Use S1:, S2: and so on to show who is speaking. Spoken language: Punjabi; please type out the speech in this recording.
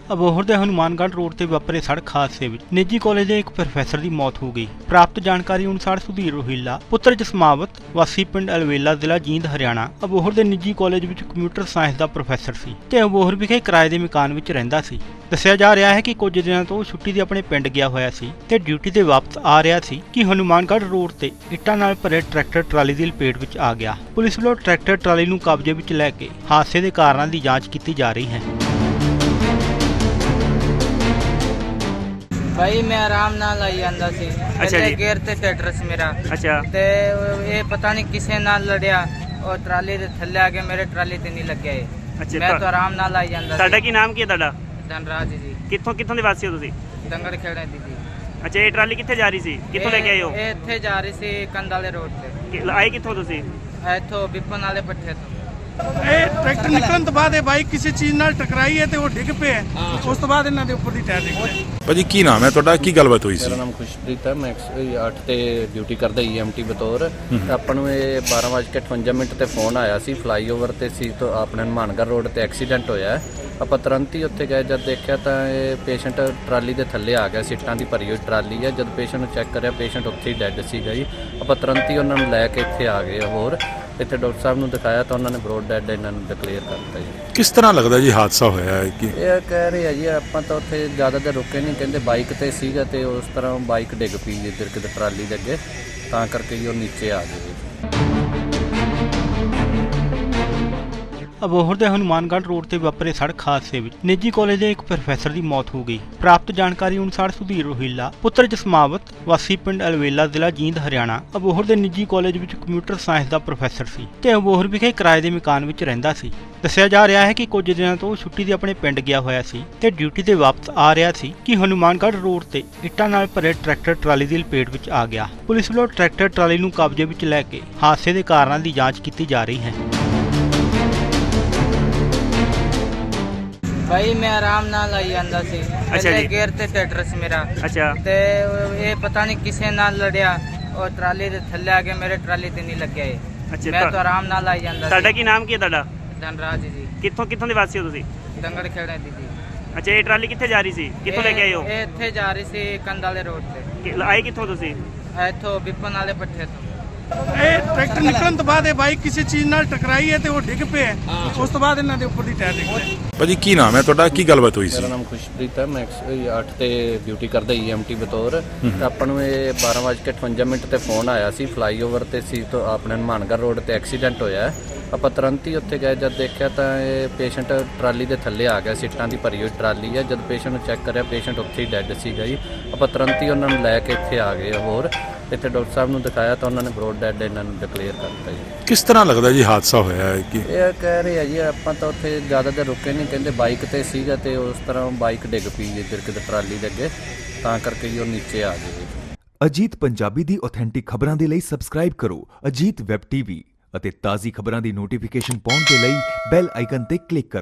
S1: ਅਬੋਹਰ ਦੇ ਹਨੂਮਾਨਗੜ੍ਹ ਰੋਡ ਤੇ ਵਾਪਰੇ ਸੜਕ ਹਾਦਸੇ ਵਿੱਚ ਨਿੱਜੀ ਕਾਲਜ ਦੇ ਇੱਕ ਪ੍ਰੋਫੈਸਰ ਦੀ ਮੌਤ ਹੋ ਗਈ। ਪ੍ਰਾਪਤ ਜਾਣਕਾਰੀ ਅਨੁਸਾਰ ਸੁਧੀਰ ਰੋਹਿਲਾ ਪੁੱਤਰ ਜਸਮਾਵਤ ਵਾਸੀ ਪਿੰਡ ਅਲਵੇਲਾ ਜ਼ਿਲ੍ਹਾ ਜੀਂਦ ਹਰਿਆਣਾ ਅਬੋਹਰ ਦੇ ਨਿੱਜੀ ਕਾਲਜ ਵਿੱਚ ਕੰਪਿਊਟਰ ਸਾਇੰਸ ਦਾ ਪ੍ਰੋਫੈਸਰ ਸੀ ਤੇ ਅਬੋਹਰ ਵਿਖੇ ਕਿਰਾਏ ਦੇ ਮਕਾਨ ਵਿੱਚ ਰਹਿੰਦਾ ਸੀ। ਦੱਸਿਆ ਜਾ ਰਿਹਾ ਹੈ ਕਿ ਕੁਝ ਦਿਨਾਂ ਤੋਂ ਛੁੱਟੀ ਤੇ ਆਪਣੇ ਪਿੰਡ ਗਿਆ ਹੋਇਆ ਸੀ ਤੇ ਡਿਊਟੀ ਤੇ ਵਾਪਸ ਆ ਰਿਹਾ ਸੀ ਕਿ ਹਨੂਮਾਨਗੜ੍ਹ ਰੋਡ ਤੇ ਇੱਟਾਂ ਨਾਲ ਭਰੇ ਟਰੈਕਟਰ ਟਰਾਲੀ ਦੀ ਲਪੇਟ ਵਿੱਚ ਆ ਗਿਆ। ਪੁਲਿਸ ਵੱਲੋਂ ਟਰੈਕਟਰ ਟਰਾਲੀ ਨੂੰ ਕਬਜ਼ੇ ਵਿੱਚ ਲੈ ਕੇ ਹਾਦਸੇ ਦੇ ਕਾਰਨਾਂ ਦੀ ਜਾਂਚ ਕੀਤੀ ਜਾ ਰਹੀ ਹੈ।
S2: भाई मैं आराम नाल आई ਜਾਂਦਾ ਸੀ।
S3: ਅੱਛਾ ਜੀ।
S2: ਗੇਅਰ ਤੇ ਟਰੈਕਟਰ ਸੀ ਮੇਰਾ
S3: ਅੱਛਾ
S2: ਤੇ ਇਹ ਪਤਾ ਨਹੀਂ ਕਿਸੇ ਨਾਲ ਲੜਿਆ ਔਰ ਟਰਾਲੀ ਦੇ ਥੱਲੇ ਆ ਕੇ ਮੇਰੇ ਟਰਾਲੀ ਤੇ ਨਹੀਂ ਲੱਗਿਆ ਇਹ।
S3: ਅੱਛਾ
S2: ਮੈਂ ਤਾਂ ਆਰਾਮ ਨਾਲ ਆਈ ਜਾਂਦਾ
S3: ਤੁਹਾਡਾ
S2: ਸੀ।
S3: ਕੀ ਨਾਮ ਕੀ ਹੈ ਤੁਹਾਡਾ?
S2: ਧਨਰਾਜ ਜੀ,
S3: ਕਿੱਥੋਂ ਦੇ ਵਾਸੀ ਹੋ ਤੁਸੀਂ?
S2: ਦੰਗੜ ਖੇੜੇ ਦੀ ਜੀ।
S3: ਅੱਛਾ, ਇਹ ਟਰਾਲੀ ਕਿੱਥੇ ਜਾ ਰਹੀ ਸੀ? ਕਿੱਥੋਂ ਲੈ ਕੇ ਆਏ ਹੋ?
S2: ਇਹ ਇੱਥੇ ਜਾ ਰਹੀ ਸੀ ਕੰਧ ਵਾਲੇ ਰੋਡ ਤੇ।
S3: ਆਏ ਕਿੱਥੋਂ ਤੁਸੀਂ?
S2: ਇੱਥੋਂ ਬਿਪਨ ਵਾਲੇ ਪੱਠੇ ਤੋਂ।
S4: ਇਹ ਟਰੈਕਟਰ ਨਿਕਲਣ ਤੋਂ ਬਾਅਦ ਇਹ ਬਾਈਕ ਕਿਸੇ ਚੀਜ਼ ਨਾਲ ਟਕਰਾਈ ਹੈ ਤੇ ਉਹ ਡਿੱਗ ਪਿਆ। ਉਸ ਤੋਂ ਬਾਅਦ ਇਹਨਾਂ ਦੇ ਉੱਪਰ ਦੀ ਟਾਇਰ ਡਿੱਗ ਪਿਆ।
S5: ਭਾਜੀ ਕੀ ਨਾਮ ਹੈ ਤੁਹਾਡਾ, ਕੀ ਗੱਲਬਾਤ ਹੋਈ ਸੀ?
S6: ਮੇਰਾ ਨਾਮ ਖੁਸ਼ਪ੍ਰੀਤ ਹੈ। ਮੈਂ 108 ਤੇ ਡਿਊਟੀ ਕਰਦਾ EMT ਬਤੌਰ। ਤੇ ਆਪਾਂ ਨੂੰ ਇਹ 12:58 ਤੇ ਫੋਨ ਆਇਆ ਸੀ, ਫਲਾਈਓਵਰ ਤੇ ਸੀ ਤੋਂ ਆਪਣੇ ਹਨੂਮਾਨਗੜ੍ਹ ਰੋਡ ਤੇ ਐਕਸੀਡੈਂਟ ਹੋਇਆ ਹੈ। ਆਪਾਂ ਤੁਰੰਤ ਹੀ ਉੱਥੇ ਗਏ, ਜਦ ਦੇਖਿਆ ਤਾਂ ਇਹ ਪੇਸ਼ੈਂਟ ਟਰਾਲੀ ਦੇ ਥੱਲੇ ਆ ਗਿਆ। ਸੀਟਾਂ ਦੀ ਭਰੀ ਹੋਈ ਟਰਾਲੀ ਹੈ। ਜਦ ਪੇਸ਼ੈਂਟ ਨੂੰ ਚੈੱਕ ਕਰਿਆ, ਪੇਸ਼ੈਂਟ ਉੱਥੇ ਹੀ ਡੈੱਡ ਸੀਗਾ ਜੀ। ਆਪਾਂ ਤੁਰੰਤ ਹੀ ਉਹਨਾਂ ਨੂੰ ਲੈ ਕੇ ਇੱਥੇ ਆ ਗਏ। ਹੋਰ ਇੱਥੇ ਡਾਕਟਰ ਸਾਹਿਬ ਨੂੰ ਦਿਖਾਇਆ ਤਾਂ ਉਹਨਾਂ ਨੇ ਬਰੋਡ ਡੈੱਡ ਇਹਨਾਂ ਨੂੰ ਡਿਕਲੇਅਰ ਕਰਤਾ ਜੀ।
S5: ਕਿਸ ਤਰ੍ਹਾਂ ਲੱਗਦਾ ਜੀ ਹਾਦਸਾ ਹੋਇਆ ਹੈ ਕਿ
S6: ਇਹ ਕਹਿ ਰਹੇ ਆ ਜੀ, ਆਪਾਂ ਤਾਂ ਉੱਥੇ ਜ਼ਿਆਦਾ ਦੇਰ ਰੁਕੇ ਨਹੀਂ, ਕਹਿੰਦੇ ਬਾਈਕ ਤੇ ਸੀਗਾ ਤੇ ਉਸ ਤਰ੍ਹਾਂ ਬਾਈਕ ਡਿੱਗ ਪਈ ਇੱਧਰ ਕਿਤੇ ਟਰਾਲੀ ਦੇ ਅੱਗੇ, ਤਾਂ ਕਰਕੇ ਜੀ ਉਹ ਨੀਚੇ ਆ ਗਏ।
S1: ਅਬੋਹਰ ਦੇ ਹਨੂਮਾਨਗੜ੍ਹ ਰੋਡ ਤੇ ਵਾਪਰੇ ਸੜਕ ਹਾਦਸੇ ਵਿੱਚ ਨਿੱਜੀ ਕਾਲਜ ਦੇ ਇੱਕ ਪ੍ਰੋਫੈਸਰ ਦੀ ਮੌਤ ਹੋ ਗਈ। ਪ੍ਰਾਪਤ ਜਾਣਕਾਰੀ ਅਨੁਸਾਰ ਸੁਧੀਰ ਰੋਹਿਲਾ ਪੁੱਤਰ ਜਸਮਾਵਤ ਵਾਸੀ ਪਿੰਡ ਅਲਵੇਲਾ ਜ਼ਿਲ੍ਹਾ ਜੀਂਦ ਹਰਿਆਣਾ ਅਬੋਹਰ ਦੇ ਨਿੱਜੀ ਕਾਲਜ ਵਿੱਚ ਕੰਪਿਊਟਰ ਸਾਇੰਸ ਦਾ ਪ੍ਰੋਫੈਸਰ ਸੀ ਤੇ ਅਬੋਹਰ ਵਿਖੇ ਕਿਰਾਏ ਦੇ ਮਕਾਨ ਵਿੱਚ ਰਹਿੰਦਾ ਸੀ। ਦੱਸਿਆ ਜਾ ਰਿਹਾ ਹੈ ਕਿ ਕੁਝ ਦਿਨਾਂ ਤੋਂ ਛੁੱਟੀ ਤੇ ਆਪਣੇ ਪਿੰਡ ਗਿਆ ਹੋਇਆ ਸੀ ਤੇ ਡਿਊਟੀ ਤੇ ਵਾਪਸ ਆ ਰਿਹਾ ਸੀ ਕਿ ਹਨੂਮਾਨਗੜ੍ਹ ਰੋਡ ਤੇ ਇੱਟਾਂ ਨਾਲ ਭਰੇ ਟਰੈਕਟਰ ਟਰਾਲੀ ਦੀ ਲਪੇਟ ਵਿੱਚ ਆ ਗਿਆ। ਪੁਲਿਸ ਵੱਲੋਂ ਟਰੈਕਟਰ ਟਰਾਲੀ ਨੂੰ ਕਬਜ਼ੇ ਵਿੱਚ ਲੈ ਕੇ ਹਾਦਸੇ ਦੇ ਕਾਰਨਾਂ ਦੀ ਜਾਂਚ ਕੀਤੀ ਜਾ ਰਹੀ ਹੈ।
S2: ਭਾਈ ਮੈਂ ਆਰਾਮ ਨਾਲ ਆਈ ਜਾਂਦਾ ਸੀ।
S3: ਅੱਛਾ ਜੀ।
S2: ਗੇਅਰ ਤੇ ਟਰੈਕਟਰ ਸੀ ਮੇਰਾ
S3: ਅੱਛਾ
S2: ਤੇ ਇਹ ਪਤਾ ਨਹੀਂ ਕਿਸੇ ਨਾਲ ਲੜਿਆ ਔਰ ਟਰਾਲੀ ਦੇ ਥੱਲੇ ਆ ਕੇ ਮੇਰੇ ਟਰਾਲੀ ਤੇ ਨਹੀਂ ਲੱਗਿਆ ਇਹ।
S3: ਅੱਛਾ,
S2: ਮੈਂ ਤਾਂ ਆਰਾਮ ਨਾਲ ਆਈ ਜਾਂਦਾ
S3: ਤੁਹਾਡਾ
S2: ਸੀ।
S3: ਕੀ ਨਾਮ ਕੀ ਹੈ ਤੁਹਾਡਾ?
S2: ਧਨਰਾਜ ਜੀ,
S3: ਕਿੱਥੋਂ ਦੇ ਵਾਸੀ ਹੋ ਤੁਸੀਂ?
S2: ਦੰਗੜ ਖੇੜੇ ਦੀ ਜੀ।
S3: ਅੱਛਾ, ਇਹ ਟਰਾਲੀ ਕਿੱਥੇ ਜਾ ਰਹੀ ਸੀ? ਕਿੱਥੋਂ ਲੈ ਕੇ ਆਏ ਹੋ?
S2: ਇਹ ਇੱਥੇ ਜਾ ਰਹੀ ਸੀ ਕੰਧ ਵਾਲੇ ਰੋਡ ਤੇ।
S3: ਆਏ ਕਿੱਥੋਂ ਤੁਸੀਂ?
S2: ਇੱਥੋਂ ਬਿਪਨ ਵਾਲੇ ਪੱਠੇ ਤੋਂ।
S4: ਇਹ ਟਰੈਕਟਰ ਨਿਕਲਣ ਤੋਂ ਬਾਅਦ ਇਹ ਬਾਈਕ ਕਿਸੇ ਚੀਜ਼ ਨਾਲ ਟਕਰਾਈ ਹੈ ਤੇ ਉਹ ਡਿੱਗ ਪਿਆ। ਉਸ ਤੋਂ ਬਾਅਦ ਇਹਨਾਂ ਦੇ ਉੱਪਰ ਦੀ ਟਾਇਰ ਡਿੱਗ ਪਿਆ।
S5: ਭਾਜੀ ਕੀ ਨਾਮ ਹੈ ਤੁਹਾਡਾ, ਕੀ ਗੱਲਬਾਤ ਹੋਈ ਸੀ?
S6: ਮੇਰਾ ਨਾਮ ਖੁਸ਼ਪ੍ਰੀਤ ਹੈ। ਮੈਂ 108 ਤੇ ਡਿਊਟੀ ਕਰਦਾ EMT ਬਤੌਰ। ਤੇ ਆਪਾਂ ਨੂੰ ਇਹ 12:58 ਤੇ ਫੋਨ ਆਇਆ ਸੀ, ਫਲਾਈਓਵਰ ਤੇ ਸੀ ਤੋਂ ਆਪਣੇ ਹਨੂਮਾਨਗੜ੍ਹ ਰੋਡ ਤੇ ਐਕਸੀਡੈਂਟ ਹੋਇਆ ਹੈ। ਆਪਾਂ ਤੁਰੰਤ ਹੀ ਉੱਥੇ ਗਏ, ਜਦ ਦੇਖਿਆ ਤਾਂ ਇਹ ਪੇਸ਼ੈਂਟ ਟਰਾਲੀ ਦੇ ਥੱਲੇ ਆ ਗਿਆ। ਸੀਟਾਂ ਦੀ ਭਰੀ ਹੋਈ ਟਰਾਲੀ ਹੈ। ਜਦ ਪੇਸ਼ੈਂਟ ਨੂੰ ਚੈੱਕ ਕਰਿਆ, ਪੇਸ਼ੈਂਟ ਉੱਥੇ ਹੀ ਡੈੱਡ ਸੀਗਾ ਜੀ। ਆਪਾਂ ਤੁਰੰਤ ਹੀ ਉਹਨਾਂ ਨੂੰ ਲੈ ਕੇ ਇੱਥੇ ਆ ਗਏ। ਹੋਰ ਇੱਥੇ ਡਾਕਟਰ ਸਾਹਿਬ ਨੂੰ ਦਿਖਾਇਆ ਤਾਂ ਉਹਨਾਂ ਨੇ ਬਰੋਡ ਡੈੱਡ ਇਹਨਾਂ ਨੂੰ ਡਿਕਲੇਅਰ ਕਰਤਾ ਜੀ।
S5: ਕਿਸ ਤਰ੍ਹਾਂ ਲੱਗਦਾ ਜੀ ਹਾਦਸਾ ਹੋਇਆ ਹੈ ਕਿ
S6: ਇਹ ਕਹਿ ਰਹੇ ਆ ਜੀ, ਆਪਾਂ ਤਾਂ ਉੱਥੇ ਜ਼ਿਆਦਾ ਦੇਰ ਰੁਕੇ ਨਹੀਂ, ਕਹਿੰਦੇ ਬਾਈਕ ਤੇ ਸੀਗਾ ਤੇ ਉਸ ਤਰ੍ਹਾਂ ਬਾਈਕ ਡਿੱਗ ਪਈ ਇੱਧਰ ਕਿਤੇ ਟਰਾਲੀ ਦੇ ਅੱਗੇ, ਤਾਂ ਕਰਕੇ ਜੀ ਉਹ ਨੀਚੇ ਆ ਗਏ।
S7: ਅਜੀਤ ਪੰਜਾਬੀ ਦੀ ਆਥੈਂਟਿਕ ਖਬਰਾਂ ਦੇ ਲਈ ਸਬਸਕ੍ਰਾਈਬ ਕਰੋ ਅਜੀਤ ਵੈਬ ਟੀਵੀ ਅਤੇ ਤਾਜ਼ੀ ਖਬਰਾਂ ਦੀ ਨੋਟੀਫਿਕੇਸ਼ਨ ਪਾਉਣ ਦੇ ਲਈ ਬੈਲ ਆਈਕਨ ਤੇ ਕਲਿੱਕ ਕਰੋ।